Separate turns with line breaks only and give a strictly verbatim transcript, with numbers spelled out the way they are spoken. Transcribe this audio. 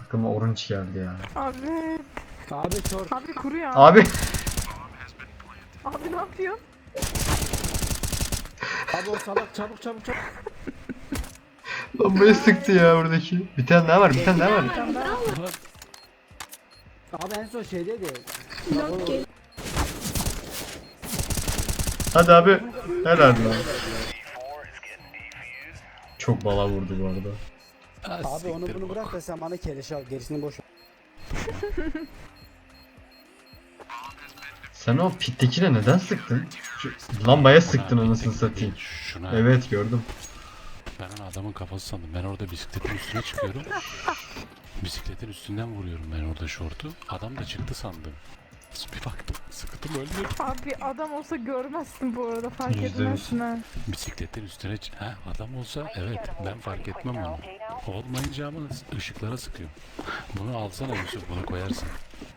Aklıma Orange geldi ya.
Abi.
Abi short.
Abi kuruyor.
Abi.
Abi ne yapıyorsun?
Abi o salak çabuk çabuk çabuk.
Bombayı sıktı ya buradaki. Bir tane daha var, bir tane daha var.
Abi en son şeydeydi.
Long gel.
Hadi abi. Helal lan. Çok bala vurdu bu arada.
Abi onu bunu bırak da sen bana keleş al, gerisini boş ver.
Sen o pittekine neden sıktın? Şu lambaya sıktın anasını satayım.
Şuna.
Evet gördüm.
Ben onu adamın kafası sandım. Ben orada bisikletin üstüne çıkıyorum. Bisikletin üstünden vuruyorum ben orada şortu. Adam da çıktı sandım. Bir baktım sıktım öldü.
Abi adam olsa görmezsin bu arada, fark
Yüzde yüz.
etmezsin ha.
Bisikletin üstüne ç- ha adam olsa evet ben fark etmem onu. Olmayınca ama ışıklara sıkıyorum. Bunu alsana Yusuf, bunu koyarsın.